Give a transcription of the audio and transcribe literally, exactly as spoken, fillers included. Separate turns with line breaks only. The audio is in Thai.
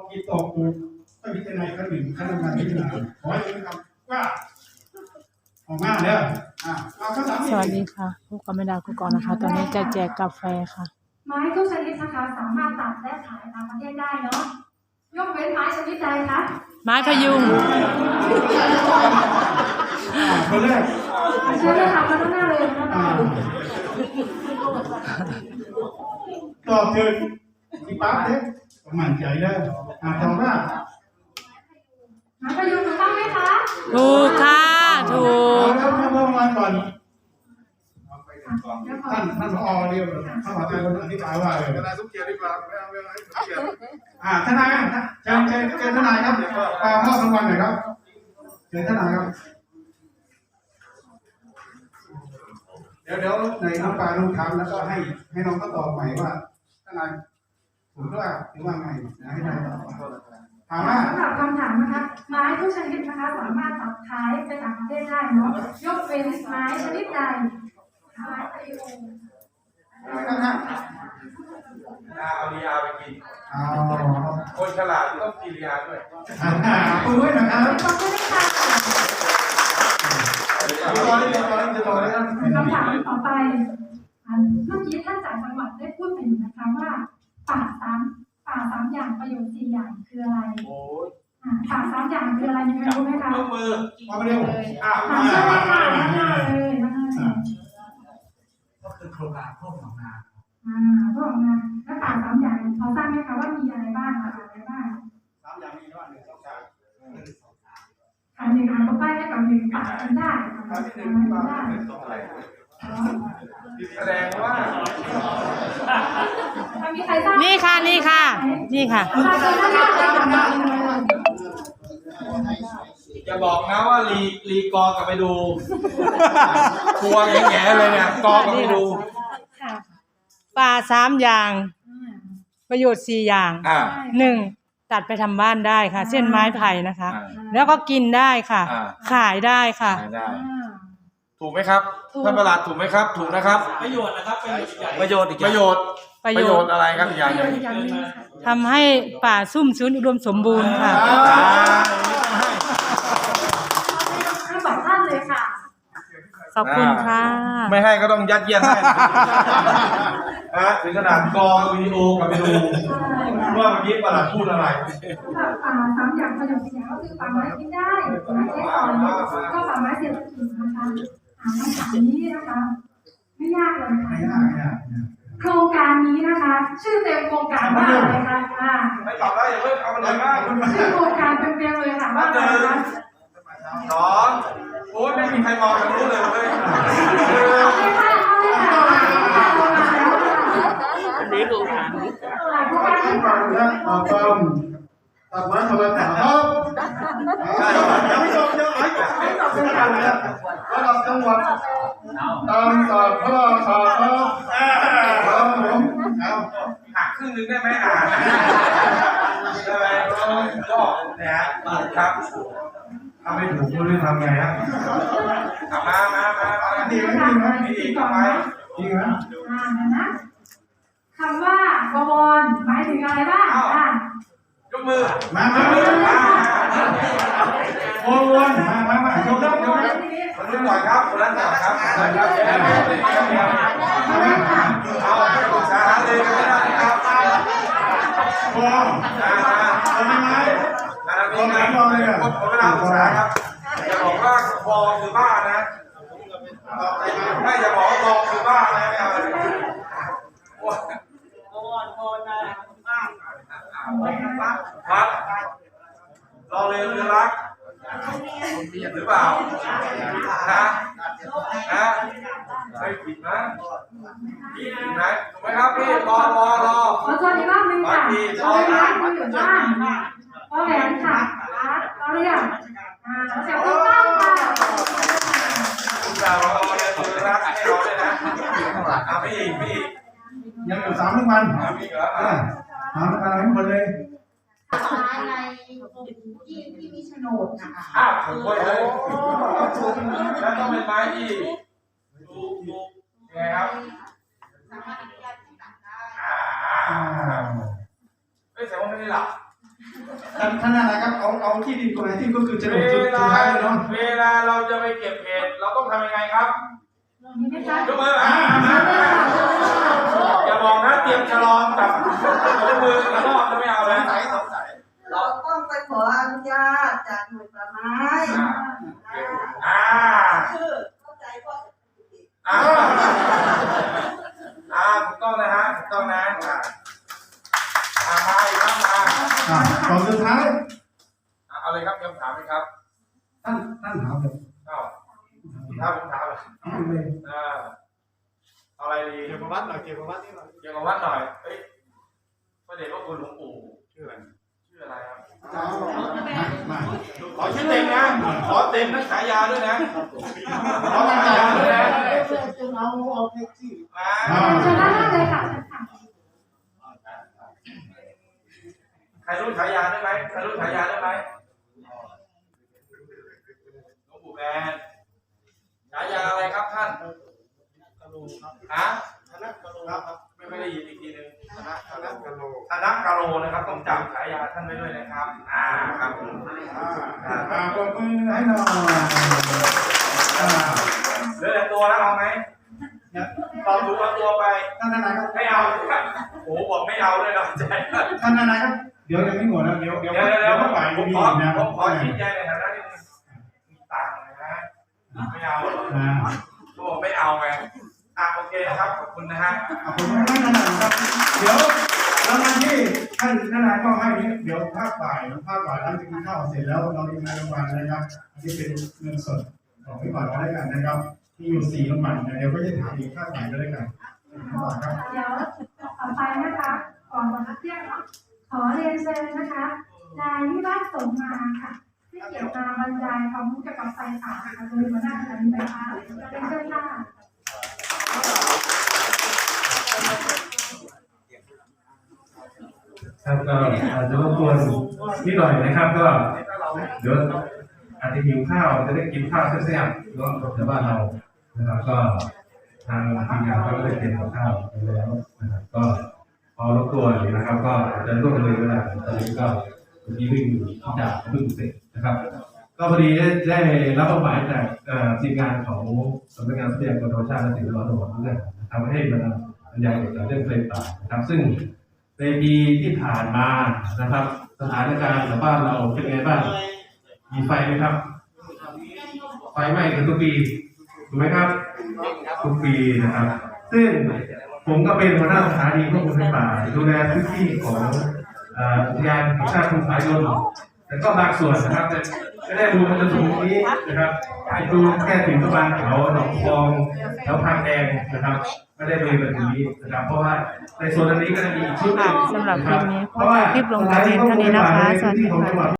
กินตกอยู่ต้องพิจารณาขั้นหนึ่งขั้นการพิจารณาขอให้เป็นคำว่าออกมาเด้ออ่าเอาข้อสาม
สวัสดีค่ะพบกับแม่ดาวกุกรนะคะ ตอนนี้จะแจกกาแฟค่ะ
ไม้ทุกชนิดนะคะสามารถตัดและขายตามประเทศได้เนาะยกเว้นไม้ชนิดใดคะ
ไม้พยุง
คนแรก
เชิญเลยค่ะมาด้านหน้าเลยนะคะ
ตอบถึงที่ปั๊บเด้มั่นใจได้อ่าตอบว่า
ไม้พยุงถูกต้องไหมคะ
ถูกค่ะถูก
แล้วมาเมื่อวานก่อน
เดี๋ยวขอ
ท่านท่านผอเรียกท่านผอใจคนอธิบายว่าเลย
ทนายสมเกียรติดีกว่าไม่เอาไม่เอาให้สมเกียรติ
อ่าทนายเชิญเชิญเชิญทนายครับอ่ามอบรางวัลหน่อยครับเชิญทนายครับเดี๋ยวเดี๋ยวในน้องปลาน้องถามแล้วก็ให้ให้น้องก็ตอบใหม่ว่าทนายถูกหรือว่าหรือว่าไงนะให้ทนายตอบถามว่า
สำหรับคำถามนะคะไม้ทุกชนิดนะคะสามารถตัดขายไปต่างประเทศได้เนาะยกเว้นไม้ชนิดใดไม้พยุง
เอาลียาไปกิน
อ๋อ
คนฉลาดต้องกินลียาด้วย
คุยด้วยนะครับ
ขอบคุณค่ะ
ต่อเลยต่อเลยต่อเลยครับ
คำถามต่อไปอันเมื่อกี้ท่านจากจังหวัดได้พูดไปอยู่นะคะว่าป่าสามป่าสามอย่างประโยชน์สี่อย่างคืออะไร
โอ้ย
อ่าป่าสามอย่างคืออะไรมีใครรู้ไหมคะ
ยกมือ
มาเร็ว
อ้าว
ถามเชิญเลยค่ะด้านหน้าเลยด้านหน้าเลย
ก็คือโครงการพวกหนองนา
อ่าพวกนะแล้วป่าสามอย่างพอทราบไหมคะว่ามีอะไรบ้างอะไรบ้าง
สามอย่างมีว่าหนึ่งสองสาม
อันหนึ่งอ่านก็ป้ายให้กับหนึ่งป่ากันได้ป่า
สามที่หนึ่ง
กัน
ที่ว่า
ได้
แสดงว่า
มีใครทราบ
นี่ค่ะนี่ค่ะ นี่ค่ะ
ทราบเลยด้านหน้าเลยค่ะ
อย่าบอกนะว่าลีลีกอกลับไปดูครัวแง่ๆเลยเนี่ยกอกลับไปดู
ป่าสามอย่าง ประโยชน์สี่อย่าง
อ่า
หนึ่งตัดไปทำบ้านได้ค่ะ เส้นไม้ไผ่นะคะ
อ่า
แล้วก็กินได้ค่ะ
อ่า
ขายได้ค่ะ
ได้ ถูกไหมครับท่านประหลัดถูกไหมครับ ถูกนะครับ
ประโยชน์นะครับประโยชน์อีกอย่าง
ประโยชน์อีกประโยชน์
ประโยชน์
อะไรครับอีกอย่างหนึ่ง
อย่างนี้ค่ะ
ทำให้ป่าซุ่มชื้นอุดมสมบูรณ์ค่ะ
อ่า
ทั้งสองท่านเลยค่ะ
ขอบคุณค่ะ
ไม่ให้ก็ต้องยัดเยียดให้ฮะถึงขนาดกอวิดีโอกลับไปดูว่าเมื่อกี้ประหลัดพูดอะไร
ป่าป่าสามอย่างประโยชน์สี่อย่างก็คือป่าไม้กินได้ไม้ใช้สอยก็ป่าไม้เศรษฐกิจนะคะอ่าคำถามนี้นะคะ ไม่ยากเลยค่ะ
ไม่ยากไม่ยาก
โครงการนี้นะคะ ชื่อเต็มโครงการว่าอะไรคะอ่า
ไม่ตอบได้อย่าเพิ่งเอามันเลยง่าย
ชื่อโครงการเต็มๆเลยค่ะว่าอะไรคะ
สองโอ้ยไม่มีใครมองทางนู้นเลยเว้ย
เอาเลยค่ะเอาเลยค่ะเอามาแล้วค่ะ
อันนี้ดูค่ะ
อ่าโครงการนี้ค่ะ
แล้วต่อต้มตัดไม้ทำไมต่อต้มยังไม่จบยังไม่จบไม่จบเป็นการแล้วระดับจังหวัดตามสอบพ่อสอบพ่อครับผมเอา
หักครึ่งนึงได้ไหมอ่ะได้ไหมก็เนี่ยฮะครับถ้าไม่ถูกก็รู้ทำไงฮะมามามามา
ดี
ดี
ไหม
ไหม
ดีไหม
ดีต่อไป
ดีไหม
อ่าเดี๋ยวนะคำว่าบวรหมายถึงอะไรบ้างอ่าย
กมือ
มามามาโอ้วนมามามาโยกยกยก
คนนี้ก่อนครับคนนั้นก่อนครับคนนั้นครับเอาไปปรึกษาหารือกันได้ครับ
พอ
มามา
ทำยังไง
นาทีนะคนเวลาปรึกษาครับอย่าบอกว่าบอคือบ้านะไม่อย่าบอกว่าบอคือบ้านะไม่เอาเลยครับรอเรือเรือรักหรือเปล่านะนะไม่ผิดนะผิดไหมถูกไหมครับพี่รอรอรอ
ขอทวนอีกรอบหนึงค่ะเราเป็นร้านคุยอยู่บ้านพอแหวนค่ะร้านเราเรียกอ่าเราเสียงต้องต้องค่ะ
คุณดาวรอเรือเรือรักให้เราด้วยนะอ่ะไม่อีกไม่อีก
ยังอยู่สามรางวัล
อ่ะมีเหรอ
อ่าสามรางวัลให้หมดเลย
ในที่ที่มีโฉนดนะคะ
อ้าวถูกไว้เลยแล้วต้องเป็นไม้ที่ถูกถูกยังไงครับ
สามารถอนุญาตให้ตัดได้
อ่าไม่ใช่ว่าไม่ได้หลับ
ท่านท่านอะไรครับเอาเอาที่ดินตรงไหนที่ก็คือจะ
เว
ลงจุดสุด
ลา
ท้ายเลยเนาะ
เวลาเราจะไปเก็บเห็ดเราต้องทำยังไงครับ
มีไหมคะ
ยกมืออ่าอย่าบอกนะเตรียมฉลองกับยกมือแล้วรอบจะไม่เอานะ
เราต้องไปขออนุญาตจากหน่วยป่าไม้
อ่า
คือเข้าใจก็
อ่าอ่าถูกต้องนะฮะถูกต้องนะอ่าอ่ามาอีกครับมา
อ่าตอนสุดท้าย
อ่าเอาเลยครับคำถามไหมครับ
ท่านท่านถามเลย
เอ้าถ้าผมถามเลย
เอาเลย
อ่าเอาอะไรดี
เกี่ยวกับวัดหน่อยเกี่ยวกับวัดนี่หน่อย
เกี่ยวกับวัดหน่อยเฮ้ยพระเดชพระคุณหลวงปู่
ชื่ออะไร
ชื่ออะไรครับ
เอามา
ขอชื่อเต็มนะ ขอเต็มทั้งฉายาด้วยนะ ขอฉายาด้วยนะ
เอาเอาแท็กซี่
มา
เชิญด้านหน้าเลยค่ะเชิญค่ะ
ใครรู้ฉายาได้ไหมใครรู้ฉายาได้ไหมหลวงปู่แบนฉายาอะไรครับท่าน
กะโลครับ
ฮะ
คณะกะโลครับ
ไม่ไม่ได้ยินอีกทีหนึง
คณะคณะกะโล
ธนกาโลนะครับ ต้องจำฉายาท่านไว้ด้วยนะครับ อ่าครับผม
อ่าอ่าปรบมือให้หน่อยอ่า
เหลือแต่ตัวแล้วเอาไหม
เนี่ย
ตอบถูกเอาตัวไป
ท่านทนายครับ
ไม่เอาโอ้โหบอกไม่เอาเลยเนาะใจ
ท่านทนายครับเดี๋ยวยังไม่หมดนะเดี๋ยวเดี๋ยว
เดี๋ยวเดี๋ยว
เดี๋ยว
ผ
ก็
ม
ไป
ผม
มี
ขอ
อีกนะ
ผมขอชี้แจงในฐานะที่มีตังค์นะไม่เอา
อ่า
เขาบอกไม่เอาไงอ่ะโอเคนะครับขอบคุณนะฮะ
ขอบคุณท่านทนายครับเดี๋ยวรางวัลที่ท่านทนายก็ให้นี้เดี๋ยวภาคบ่ายภาคบ่ายหลังจากกินข้าวเสร็จแล้วเราจะมีรางวัลนะครับที่เป็นเงินสดของพี่บ่าวก็ได้กันนะครับที่อยู่สี่รางวัลนะเดี๋ยวก็จะถามอีกภาคบ่ายก็ได้กันครับ
เดี๋ยวต่อไปนะคะ ก่อนวันนัดเที่ยงเนาะขอเรียนเชิญนะคะนายวิวัฒน์สมมาค่ะ ที่เกี่ยวกับบรรยายความรู้เกี่ยวกับไฟป่าค่ะโดยหัวหน้าคณะไฟฟ้าเป็นเชิญค่ะ
ครับก็อาจจะรบกวนนิดหน่อยนะครับก็เดี๋ยวอาจจะหิวข้าวจะได้กินข้าวแซ่บๆเนาะแถวบ้านเรานะครับก็ทางทีมงานก็ได้เตรียมกับข้าวไปแล้วนะครับก็พอรบกวนนะครับก็อาจจะร่วมเลยเวลาตอนนี้ก็วันนี้วิ่งที่จะพึ่งเสร็จนะครับ ก็พอดีได้ได้รับมอบหมายจากทีมงานของสำนักงานทรัพยากรธรรมชาติและสิ่งแวดล้อมจังหวัดน่านทำให้บรรยายเกี่ยวกับเรื่องไฟป่านะครับซึ่งในปีที่ผ่านมานะครับ สถานการณ์ในบ้านเราเป็นไงบ้างมีไฟไหมครับ ไฟไหม้กันทุกปีถูกไหมครับทุกปีนะครับ ซึ่งผมก็เป็นหัวหน้าสถานีควบคุมไฟป่าดูแลพื้นที่ของอุทยานแห่งชาติภูผายนแต่ก็บางส่วนนะครับไม่ได้ดูมันจะถึงตรงนี้นะครับไปดูแค่ถึงประมาณแถวหนองคลองแถวพางแดงนะครับไม่ได้เลยแบบนี้นะครับเพราะว่าในโซนนี้ก็จะมีอีกชุดหนึ่ง
สำหรับคลิปนี้ขอจบคลิปลงแต่เพียงเท่านี้นะคะ สวัสดีค่ะ